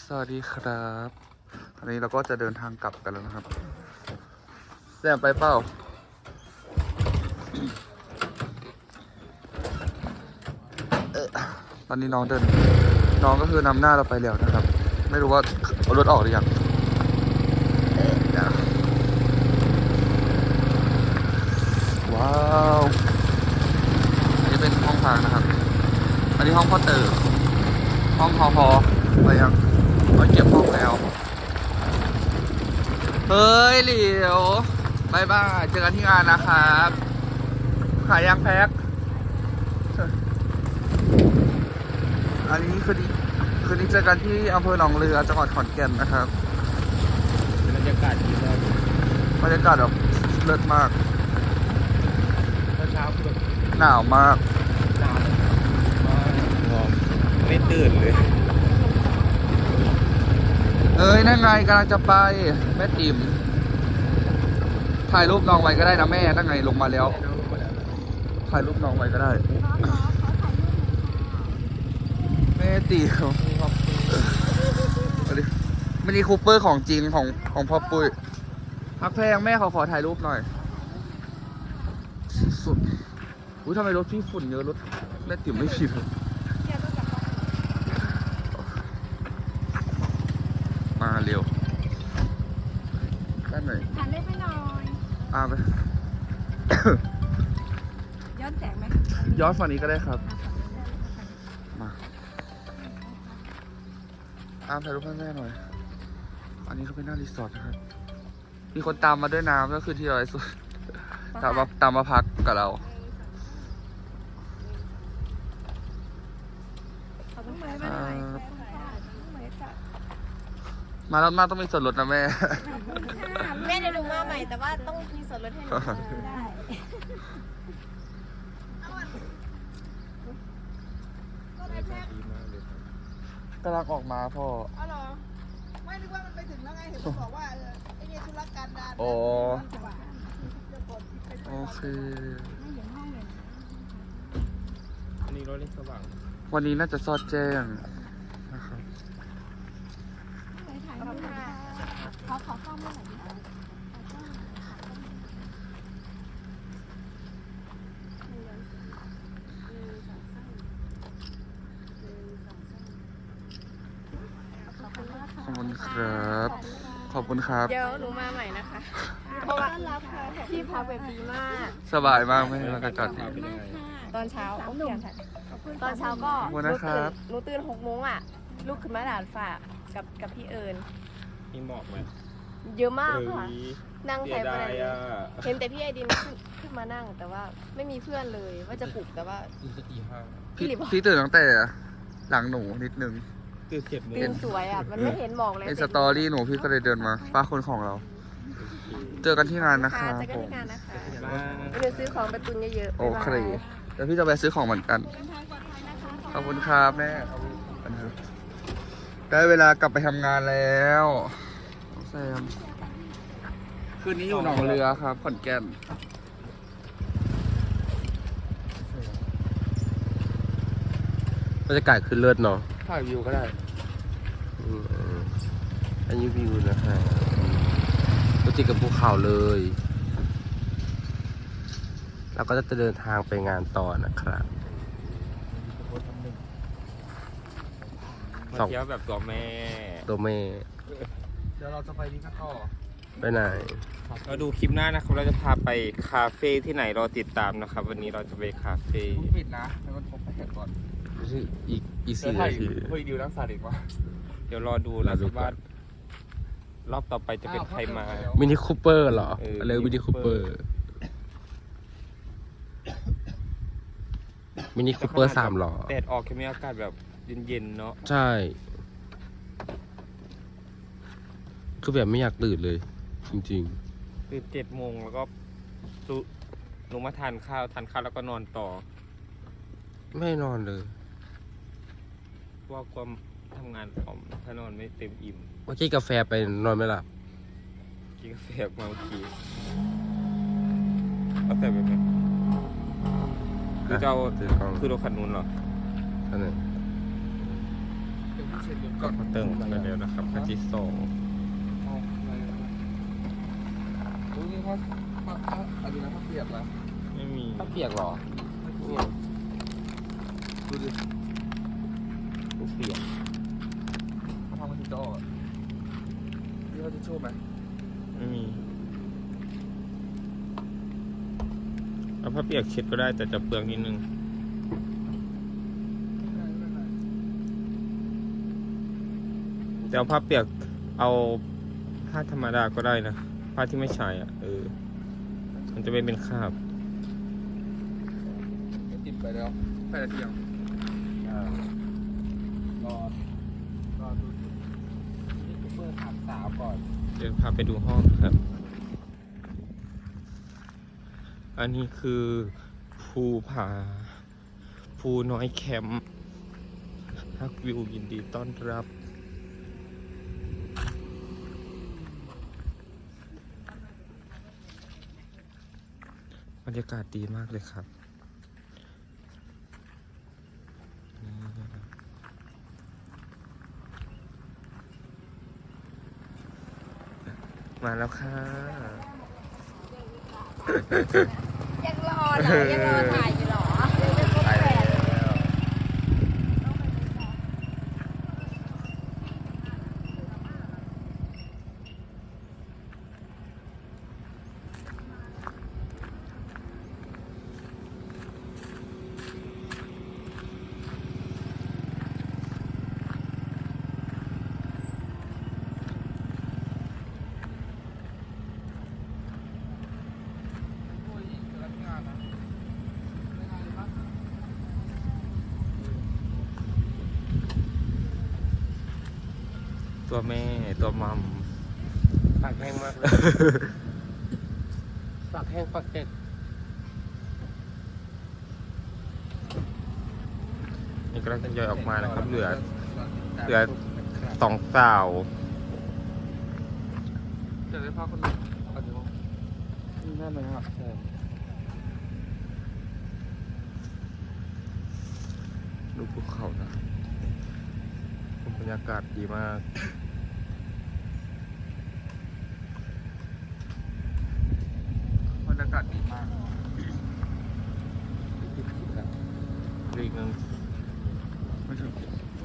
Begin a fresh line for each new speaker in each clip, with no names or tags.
สวัสดีครับอันนี้เราก็จะเดินทางกลับกันแล้วนะครับแซมไปเปล่าตอนนี้น้องก็คือนำหน้าเราไปแล้วนะครับ ไม่รู้ว่าเอารถออกหรือยังว้าวอันนี้เป็นห้องพักนะครับ อันนี้ห้องพ่อเต๋อห้องพอไปยังเราเก็บห้องแล้วเฮ้ยเหลียวบายบายเจอกันที่งานนะครับขายยางแพ็คอันนี้คืนนี้เจอกันที่อำเภอหนองเรือจังหวัดขอนแก่นนะครับ
บรรยากาศดีมาก
บรรยากาศแบบเลิศมาก
เช้าคือแบบ
หนาวมาก
หนาวไม่ตื่นเลย
เอ้ยนั่นไงกำลังจะไปแม่ติ๋มถ่ายรูปน้องไว้ก็ได้นะแม่นั่นไงลงมาแล้วถ่ายรูปน้องไว้ก็ได้แม่ติ๋มมินิคูเปอร์ของจริงของพ่อปุ้ยพักแพงแม่เขาขอถ่ายรูปหน่อยสุดอุ้ยทำไมรถพี่ฝุ่นเยอะรถแม่ติ๋มไม่ผิดมาเร็วได้ไหม
หันเล็บให้หน่อย
ไป
ย้อนแสงไหม
ย้อนฝั่งนี้ก็ได้ครับมาถ่ายรูปให้แม่หน่อยอันนี้เขาเป็นหน้ารีสอร์ทนะครับมีคนตามมาด้วยน้ำก็คือที่อะไรสุดตามมาพักกับเรา
ขอบคุณเหมยมาหน่อยเหมยค่ะ
มาแล้วมาต้องมีส่วนลดนะแม่
แม่เดี๋ยวหนูมาใหม่แต่ว่าต้องมีส่วนลดให้หนูได้
กำลังออกมาพ่อ
อ๋อเหรอไม่นึกว่ามันไปถึงแล้วไงเห็นมันบอกว่าไอ้เนี่ยธุรการดาน
อ๋อโอเค
อันนี้รถเล็กสว่าง
วันนี้น่าจะซอดแจ้งนะครับ
ขอข้อมูลหน่อยดิ
ขอบคุณครับ ขอบคุณครับ
เดี๋ยวหนูมาใหม่นะคะเพราะว่าพี่พักแบบดีมาก
สบายมากไหมแล้วก็จอดดี
ตอนเช้าโอ้ยตอนเช้าก็
ขอบคุณนะครับ
หนูตื่น6 โมงอ่ะลุกขึ้นมาด่านฝ่ากับพี่เอิญ
มีหมอกไหม
เยอะมากค่ะ นั่ง
เสี
ใส่
ย
ไป
ดายอ่ะ
เห็นแต่พี่ไอดินขึ้นมานั่งแต่ว่าไม่มีเพื่อนเลยว่าจะปลุกแต่ว่า
ตีห้า
พี่ตื่นตั้งแต่หลังหนูนิดนึง
ตื่น7 โมง
ตื่นสวยอ่ะมันไม่เห็นหมอกเลย
ในสตอรี่หนูพี่ก็เลยเดินมาป้าคนของเรา เจอกันที่งานนะคะ
เจอกันที่งานนะคะ
บ้าง
เดี๋ยวซื้อของไปตุนเยอะๆ
โอเคเดี๋ยวพี่จะไปซื้อของเหมือนกัน ขอบคุณครับแม่ได้เวลากลับไปทำงานแล้วแซมคืนนี้อยู่หนองเรือครับขอนแก่น
บรรยากาศคือเลิศเนาะ
ถ่ายวิวก็ได้
อันนี้วิวนะฮะรถติดกับภูเขาเลยเราก็จะเดินทางไปงานต่อนะครับมาเที่ยวแบบตัวแม่
เดี๋ยวเราจะไปนี่กันต่อ
ไปไหนเราดูคลิปหน้านะครับเราจะพาไปคาเฟ่ที่ไหนรอติดตามนะครับ วันนี้เราจะไปคาเฟ่
ต้องปิดนะให้มันครบไปเห็นก่อน
อีก
จะ
4
ถ่า
นาที
คุยดิวนักสาดิกว่า
เดี๋ยวรอดูนะครับว่ารอบต่อไปจะเป็นใครมา
มินิคูเปอร์เหรอ
เออ
อะไรมินิคูเปอร์ มินิคูเปอร์3หรอ
แดดออกแค่มีอากาศแบบเย็นๆเนาะ
ใช่ คือแบบไม่อยากตื่นเลย จริง
คือ7 โมงแล้วก็ลงมาทานข้าวแล้วก็นอนต่อ
ๆ ไม่นอนเลย
เพราะว่าความทำงานผมถ้านอนไม่เต็มอิ่ม
เมื่อกี้กาแฟไปนอนไม่หลับ
กินกาแฟมาเมื่อกี้เอาแต่แบบนี้คือจะเอา
ถือกล้อง
คือรถคันนู้นเหรอ
อันนั้น
เช็ดรถก่อน
เขาเติมไปแล้วนะครับคันที่สอง
เอาอะไรกันนะโอ้ยนี่เขาอะไรนะเขาเปียกแล้ว
ไม่มี
ถ้าเปียกเหรอ
ไม่เปียกดูดิ
กูเปียก
เขาทำมาถึงจะออกอะนี่เขาจะโชว์ไหม
ไม่มีเอาผ้าเปียกเช็ดก็ได้แต่จะเปลืองนิดนึงแต่เอาผ้าเปียกเอาผ้าธรรมดาก็ได้นะผ้าที่ไม่ใช้อ่ะมันจะไม่เป็นคราบ
ก็กินไปแล้ว8 นาทียังรอดู
นี่กูเปิดถามสาวก่อน
เดี๋ยวพาไปดูห้องครับ อันนี้คือภูผาภูน้อยแคมป์ฮักวิวยินดีต้อนรับบรรยากาศดีมากเลยครับมาแล้วค่ะ
ยังรอเหรอยังรอถ่ายอยู่เหรอยังไม่ครบ
ไป
แป
แล้
ด
วตัวแม่ตัวมัม
ปากแห้งมากเลยปากแห้งปากเจ็ด
นี่กำลังทยอยออกมานะครับ เหลือสองสาว
จะได้ภาพคนหนึ่งเอาเดี๋ยว
นั่นเลยครับใช่
ดูภูเขานะบรรยากาศดีมาก
บรรยากาศดีมาก
อีกนึง
ไม่ถึง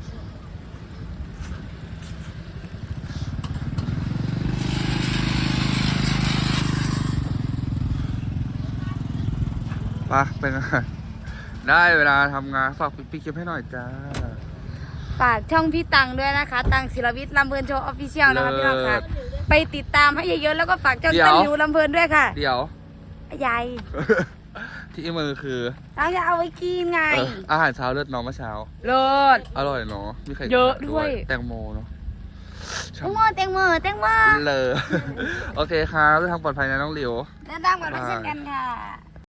ไปเป็นไงได้เวลาทำงานฝากปิดคลิปให้หน่อยจ้า
ฝากช่องพี่ตังด้วยนะคะ ตังศิลวิทย์ลำเพลินโชว์ออฟฟิเชียลนะคะพี่น้องค่ะ ไปติดตามให้เยอะๆแล้วก็ฝากช่อง
เดี๋ยว
ต้นหลิวลำเพลินด้วยค่ะ
เดี๋ยว
ยาย
ที่มือคือ
เราจะเอาไว้กินไง
อาหารเช้าเลือดน้องเมื่อเช้า
เลิศ
อร่อยเนาะมีไข่
เยอะด้วย
แตงโมเนาะ
แตงโมแตงโมแตงโม
เลย โอเคครับเดินทางปลอดภัยนะน้องหลิว
เดินทางก่อนไปเช่นกันค่ะ